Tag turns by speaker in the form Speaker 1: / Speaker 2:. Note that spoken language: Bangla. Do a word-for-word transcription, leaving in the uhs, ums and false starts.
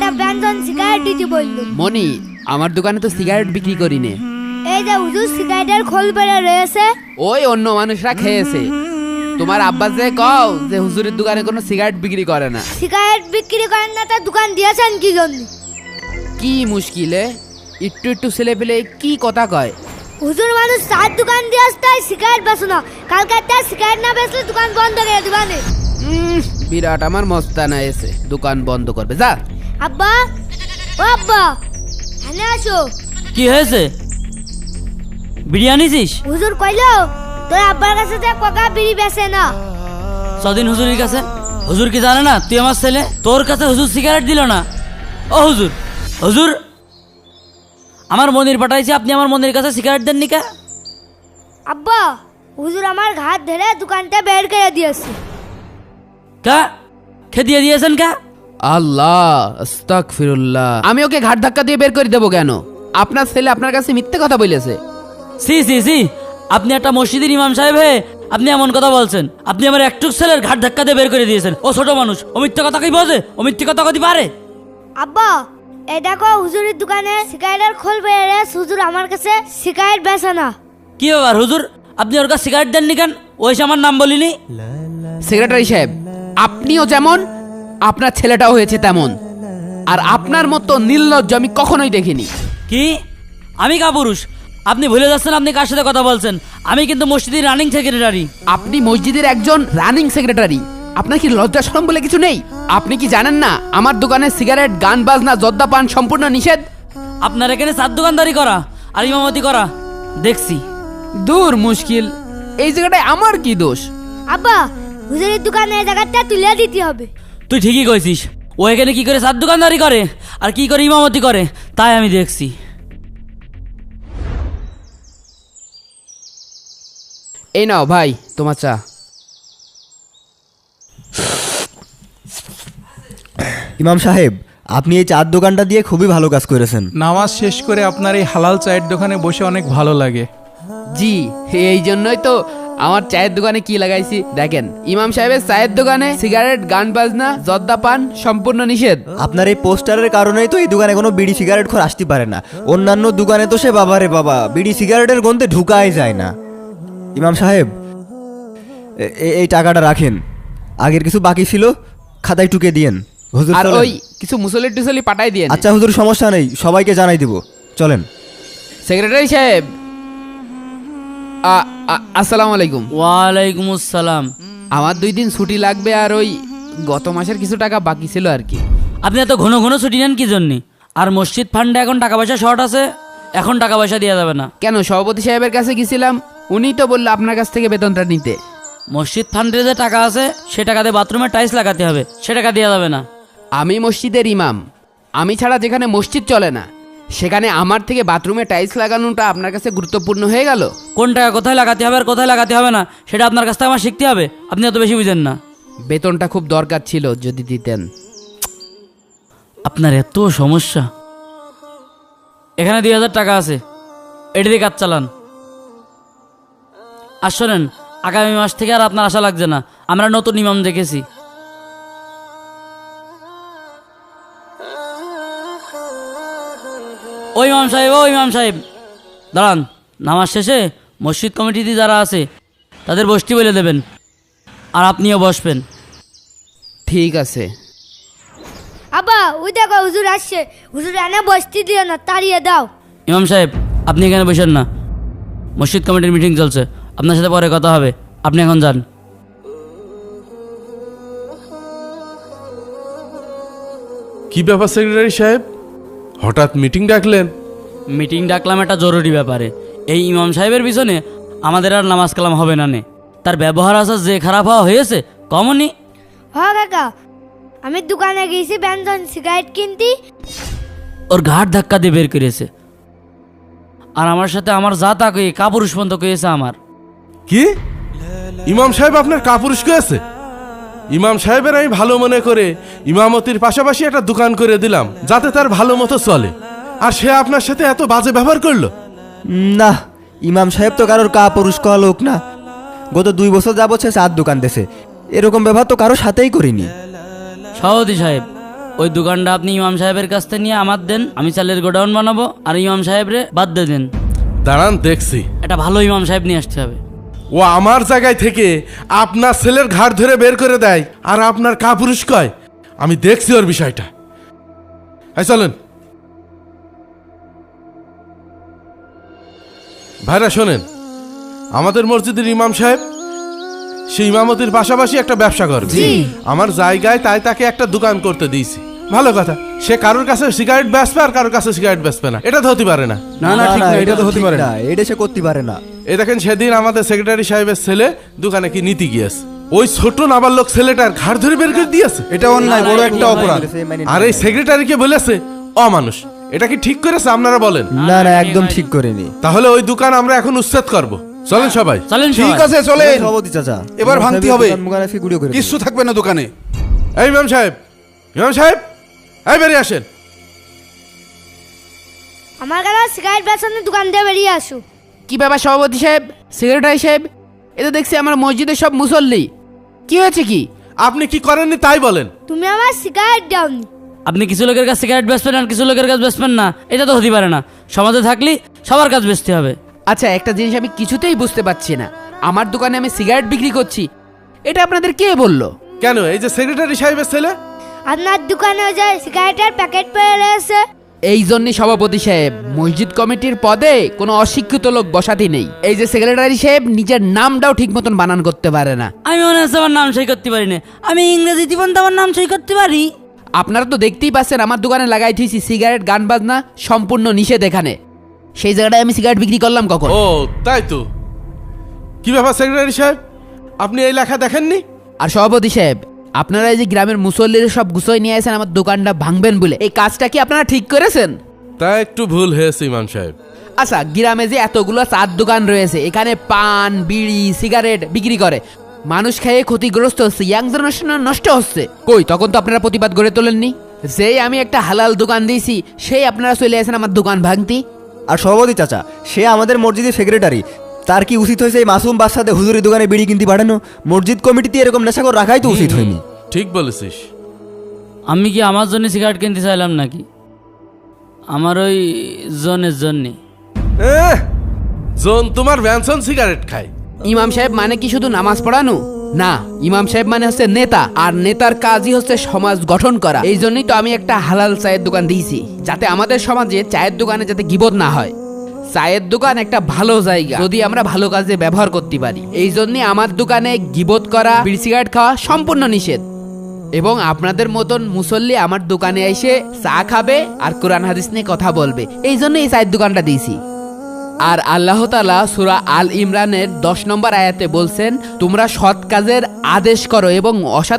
Speaker 1: ব্যঞ্জন সিগারেট দিতে বললো।
Speaker 2: মনি, আমার দোকানে তো সিগারেট বিক্রি করি নে।
Speaker 1: এই যে হুজুর সিগারেটের খোল বেড়ে রয়েছে,
Speaker 2: ওই অন্য মানুষরা খেয়েছে। তোমার আব্বা যে কও যে হুজুরের দোকানে কোনো সিগারেট বিক্রি করে না।
Speaker 1: সিগারেট বিক্রি করেন না, তার দোকান দিয়েছেন কি জন্য?
Speaker 2: কি মুশকিলে একটু একটু ছেলে পেলে কি কথা কয়।
Speaker 1: হুজুর মানুষ চার দোকান দিয়ে আসতে সিগারেট বেচো না, কালকে তার সিগারেট না বেচলে দোকান বন্ধ করে দিবানে।
Speaker 2: উম, বিরাট আমার মস্তানা এসে দোকান বন্ধ করবে। যা
Speaker 1: আব্বা, ও আব্বা, এখানে আসো।
Speaker 3: কি হয়েছে? বিরিয়ানি ছিস?
Speaker 1: হুজুর কইলো তোর আব্বার কাছে যে কোকা বিড়ি বেচে না।
Speaker 3: সদিন হুজুরের কাছে? হুজুর কি জানে না তুই আমার ছেলে? তোর কাছে হুজুর সিগারেট দিল না? ও হুজুর, হুজুর আমার মন্দির পাঠাইছি, আপনি আমার মন্দির কাছে সিগারেট দেননি কে?
Speaker 1: আব্বা, হুজুর আমার ঘাট ধরে দোকানটা বের করে দিয়েছে।
Speaker 3: কা খে দিয়ে দিয়েছেন কা?
Speaker 2: আল্লাহ আস্তাগফিরুল্লাহ। আমি ওকে ঘাট ধাক্কা দিয়ে বের করে দেবো কেন? আপনার ছেলে আপনার কাছে মিথ্যে কথা বলেছে।
Speaker 3: সি সি সি, আপনি একটা মসজিদের ইমাম সাহেব হে আপনি এমন কথা বলছেন? আপনি আমার একটুক ছেলের ঘাট ধাক্কা দিয়ে বের করে দিয়েছেন। ও ছোট মানুষ, ও মিথ্যে কথা কি বোঝে? ও মিথ্যে কথা কতি পারে?
Speaker 1: আব্বা, এই দেখো হুজুরের দোকানে সিগারেটের খোল বেড়ে, হুজুর আমার কাছে সিগারেট বেচে না।
Speaker 3: কি ব্যাপার হুজুর, আপনি ওর কাছে সিগারেট দেননি কেন? ওই সে আমার নাম বলিনি।
Speaker 2: সেক্রেটারি সাহেব, আপনিও যেমন আপনার ছেলেটাও হয়েছে তেমন। আর আপনার মতো নির্লজ্জ আমি কখনোই দেখিনি।
Speaker 3: কি? আমি কাপুরুষ? আপনি ভুলে যাচ্ছেন আপনি কার সাথে কথা বলছেন। আমি কিন্তু মসজিদের রানিং সেক্রেটারি।
Speaker 2: আপনি মসজিদের একজন রানিং সেক্রেটারি, আপনার কি লজ্জা শরম বলে কিছু নেই? আপনি কি জানেন না আমার দোকানে সিগারেট, গান বাজনা, জর্দা পান সম্পূর্ণ নিষেধ।
Speaker 3: আপনার এখানে চার দোকানদারি করা আর ইমামতি করা দেখছি।
Speaker 2: দূর মুশকিল, এই জায়গাটায় আমার কি দোষ?
Speaker 1: আব্বা, হুজুরের দোকানে এই জায়গাটা তুলে দিতে হবে।
Speaker 3: তুই ঠিকই কইছিস, ও এখানে কি করে চার দোকানদারি করে আর কি করে ইমামতি করে তাই আমি দেখছি।
Speaker 2: এই নাও ভাই তোমার চা।
Speaker 4: ইমাম সাহেব, আপনি এই চার দোকানটা দিয়ে খুবই ভালো কাজ করেছেন।
Speaker 5: নামাজ শেষ করে আপনার এই হালাল চায়ের দোকানে বসে অনেক ভালো লাগে।
Speaker 2: জি, এই জন্যই তো আমার চায়ের দোকানে কি লাগাইছি দেখেন। ইমাম সাহেবের চায়ের দোকানে সিগারেট, গান বাজনা, জর্দা পান সম্পূর্ণ নিষেধ।
Speaker 4: আপনার এই পোস্টারের কারণেই তো এই দোকানে কোনো বিড়ি সিগারেট খোর আসতে পারে না। অন্যান্য দোকানে তো সে বাবারে বাবা বিড়ি সিগারেটের গন্ধে ঢুকাই যায় না। ইমাম সাহেব, এ- এ- এই টাকাটা রাখেন, আগের কিছু বাকি ছিল খাতায় টুকে দিয়েন। হুজুর
Speaker 2: আর
Speaker 4: চলেন।
Speaker 2: ওই কিছু মুসলি টুসলি পাঠাই দিয়ে।
Speaker 4: আচ্ছা হুজুর, সমস্যা নেই, সবাইকে জানাই দিব, চলেন।
Speaker 2: সেক্রেটারি সাহেব, আ- আ- আসসালামু আলাইকুম।
Speaker 3: ওয়ালাইকুম আসসালাম।
Speaker 2: আমার দুই দিন ছুটি লাগবে, আর ওই গত মাসের কিছু টাকা বাকি ছিল আর কি।
Speaker 3: আপনি এত ঘন ঘন ছুটি নেন কি জন্যে? আর মসজিদ ফান্ডে এখন টাকা পয়সা শর্ট আছে, এখন টাকা পয়সা দেওয়া যাবে না।
Speaker 2: কেন, সভাপতি সাহেবের কাছে গেছিলাম, উনি তো বললো আপনার কাছ থেকে বেতনটা নিতে।
Speaker 3: মসজিদ ফান্ডে যে টাকা আছে সে টাকা দিয়ে বাথরুমে টাইলস লাগাতে হবে, সে টাকা দেওয়া যাবে না।
Speaker 2: আমি মসজিদের ইমাম, আমি ছাড়া যেখানে মসজিদ চলে না সেখানে আমার থেকে বাথরুমে টাইলস লাগানোটা আপনার কাছে গুরুত্বপূর্ণ হয়ে গেল?
Speaker 3: কোন টাকা কোথায় লাগাতে হবে আর কোথায় লাগাতে হবে না সেটা আপনার কাছ থেকে আমার শিখতে হবে। আপনি এত বেশি বুঝেন না।
Speaker 2: বেতনটা খুব দরকার ছিল, যদি দিতেন।
Speaker 3: আপনার এত সমস্যা। এখানে দুই হাজার টাকা আছে, এটি দিয়ে কাজ চালান। আর শোনেন, আগামী মাস থেকে আর আপনার আশা লাগছে না, আমরা নতুন ইমাম দেখেছি। ওই ইমাম সাহেব, ও ইমাম সাহেব দাঁড়ান। নামাজ শেষে মসজিদ কমিটিতে যারা আছে তাদের বসতি বলে দেবেন, আর আপনিও বসবেন।
Speaker 2: ঠিক আছে।
Speaker 1: আব্বা, ওই দেখো হুজুর আসছে, হুজুর এনে বসতে দিও না, তাড়িয়ে দাও।
Speaker 3: ইমাম সাহেব, আপনি এখানে বসেন না, মসজিদ কমিটির মিটিং চলছে, আপনার সাথে পরে কথা হবে, আপনি এখন যান।
Speaker 6: কি ব্যাপার সেক্রেটারি সাহেব, হঠাৎ মিটিং ডাকলেন?
Speaker 3: মিটিং ডাকলাম একটা জরুরি ব্যাপারে। এই ইমাম সাহেবের পিছনে আমাদের আর নামাজ কালাম হবে না নে। তার ব্যবহার আচার যে খারাপ হওয়া হয়েছে কমনি।
Speaker 1: হ কাকা, আমি দোকানে গেছি ব্যঞ্জন সিগারেট কিনতি,
Speaker 3: ওর ঘাট ধাক্কা দিয়ে বের করেছে, আর আমার সাথে আমার যা তা কয়ে কাপুরুষ পর্যন্ত কয়েছে আমার।
Speaker 6: কি ইমাম সাহেব আপনার কাপুরুষ করেছে? ইমাম সাহেবের আমি ভালো মনে করে ইমামতির পাশাপাশি একটা দোকান করে দিলাম যাতে তার ভালো মতো চলে, আর সে আপনার সাথে এত বাজে ব্যবহার করলো?
Speaker 4: না, ইমাম সাহেব তো কারোর কা পুরুষ কওয়া লোক না। গত দুই বছর যাবত সে চার দোকান দেশে, এরকম ব্যবহার তো কারোর সাথেই করিনি।
Speaker 3: সভাপতি সাহেব, ওই দোকানটা আপনি ইমাম সাহেবের কাছ থেকে নিয়ে আমার দেন, আমি চালের গোডাউন বানাবো, আর ইমাম সাহেবরে বাদ দিয়ে দেন।
Speaker 6: দাঁড়ান দেখছি।
Speaker 3: একটা ভালো ইমাম সাহেব নিয়ে আসতে হবে।
Speaker 6: ও আমার জায়গায় থেকে আপনার ছেলের ঘাড় ধরে বের করে দেয় আর আপনার কাপুরুষ কয়, আমি দেখছি ওর বিষয়টা। এই চলেন ভাইরা, শোনেন, আমাদের মসজিদের ইমাম সাহেব সে ইমামতির পাশাপাশি একটা ব্যবসা করবে। আমার জায়গায় তাই তাকে একটা দোকান করতে দিয়েছি। ভালো কথা, সে কারোর কাছে সিগারেট বেচবে আর কারোর কাছে সিগারেট বেচবে না, এটা তো হতে পারে না।
Speaker 5: না না ঠিক না, এটা তো হতে পারে না।
Speaker 4: এটা সে করতে পারে না।
Speaker 6: এই দেখেন, সেদিন আমাদের সেক্রেটারি সাহেবের ছেলে দোকানে কি নীতি গিয়েছে, ওই ছোট নাবালক ছেলেটার ঘাড় ধরে বের করে দিয়েছে।
Speaker 5: এটা অন্যায়, বড় একটা অপরাধ।
Speaker 6: আর এই সেক্রেটারিকে বলেছে অমানুষ। এটা কি ঠিক করেছে আপনারা বলেন?
Speaker 4: না না, একদম ঠিক করেনি।
Speaker 6: তাহলে ওই দোকান আমরা এখন উচ্ছেদ করব। চলেন সবাই।
Speaker 3: চলেন
Speaker 5: ঠিক
Speaker 3: সবাই।
Speaker 5: আছে চলেন,
Speaker 4: সভাপতি চাচা,
Speaker 5: এবার
Speaker 4: ইমাম
Speaker 5: ভাঙতে
Speaker 4: সাহেবের
Speaker 5: হবে।
Speaker 4: দোকান মোকানে ফিগুড়িও করে দিন।
Speaker 5: কিচ্ছু থাকবে না দোকানে।
Speaker 6: এই ইমাম সাহেব, ইমাম সাহেব, এই বেরিয়ে আসেন।
Speaker 1: আমার কাছে সিগারেট বেচানোর দোকান দিয়ে বেরিয়ে আসো।
Speaker 2: কি ব্যাপার সভাপতি সাহেব, সেক্রেটারি সাহেব, এ তো দেখছি আমার মসজিদের সব মুসল্লি। কি হয়েছে কি?
Speaker 6: আপনি কি করেননি তাই বলেন।
Speaker 1: তুমি আমার সিগারেট দাওনি।
Speaker 3: আপনি কিছু লোকের কাছে সিগারেট বেচবেন আর কিছু লোকের কাছে বেচবেন না, এটা তো হতে পারে না। সমাজে থাকলে সবার কাছে বেচতে হবে।
Speaker 2: আচ্ছা, একটা জিনিস আমি কিছুতেই বুঝতে পারছি না, আমার দোকানে আমি সিগারেট বিক্রি করছি, এটা আপনাদের কে বললো?
Speaker 6: কেন, এই যে সেক্রেটারি সাহেবের ছেলে।
Speaker 1: আপনার দোকানে ওই যে সিগারেটের প্যাকেট পড়ে রয়েছে।
Speaker 2: এই জন্যই সভাপতি সাহেব, মসজিদ কমিটির পদে কোনো অশিক্ষিত লোক বসাতে নেই। এই যে সেক্রেটারি সাহেব নিজের নামটাও ঠিক মতন বানান করতে পারে না।
Speaker 3: আমি মনে হচ্ছে আমার নাম সই করতে পারি না। আমি ইংরেজি জীবন তো আমার নাম সই করতে পারি।
Speaker 2: আপনারা তো দেখতেই পাচ্ছেন আমার দোকানে লাগাই থুইছি সিগারেট, গান বাজনা সম্পূর্ণ নিষেধ এখানে। সেই জায়গাটায় আমি সিগারেট বিক্রি করলাম কখন?
Speaker 6: ও তাই তো। কি ব্যাপার সেক্রেটারি সাহেব, আপনি এই লেখা দেখেননি?
Speaker 2: আর সভাপতি সাহেব, আপনারা এই যে গ্রামের মুসল্লিরা সব গুছোয় নিয়ে আসেন আমার দোকানটা ভাঙবেন বলে, এই কাজটা কি আপনারা ঠিক করেছেন?
Speaker 6: তা একটু ভুল হয়েছে ইমাম সাহেব।
Speaker 2: আচ্ছা, গ্রামে যে এতগুলো চার দোকান রয়েছে, এখানে পান, বিড়ি, সিগারেট বিক্রি করে মানুষ খেয়ে ক্ষতিগ্রস্ত হচ্ছে, ইয়াং জেনারেশন নষ্ট হচ্ছে। কই, তখন তো আপনারা প্রতিবাদ গড়ে তোলেননি। যেই আমি একটা হালাল দোকান দিয়েছি, সেই আপনারা চলে আসেন আমার দোকান ভাঙতি।
Speaker 4: আর সভাপতি চাচা, সে আমাদের মসজিদের সেক্রেটারি, তার কি উচিত হয়েছে এই মাসুম বাচ্চাদের হুজুরি দোকানে বিড়ি কিনতে পাঠানো? মসজিদ কমিটিতে এরকম নেশাখোর রাখাই তো উচিত হয়নি।
Speaker 6: ঠিক বলেছিস।
Speaker 3: আমি কি আমার জন্য সিগারেট কিনতে চাইলাম নাকি? আমার ওই জনের জন্যে।
Speaker 6: এহ, জন তোমার ব্যানসন সিগারেট খায়।
Speaker 2: ইমাম সাহেব মানে কি শুধু নামাজ পড়ানো? না, ইমাম সাহেব মানে হচ্ছে নেতা, আর নেতার কাজই হচ্ছে সমাজ গঠন করা। এই জন্যই তো আমি একটা হালাল চায়ের দোকান দিয়েছি, যাতে আমাদের সমাজে চায়ের দোকানে যাতে গিবত না হয়। চায়ের দোকান একটা ভালো জায়গা যদি আমরা ভালো কাজে ব্যবহার করতে পারি। এই জন্যই আমার দোকানে গিবত করা, বিড়ি সিগারেট খাওয়া সম্পূর্ণ নিষেধ। এবং আপনাদের মতন মুসল্লি আমার দোকানে এসে চা খাবে আর কোরআন হাদিস নিয়ে কথা বলবে, এই জন্য এই চায়ের দোকানটা দিয়েছি। আর আল্লাহ তাআলা সূরা আল ইমরানের দশ নম্বর আয়াতে বলছেন, তোমরা সৎ কাজের আদেশ করো এবং অসৎ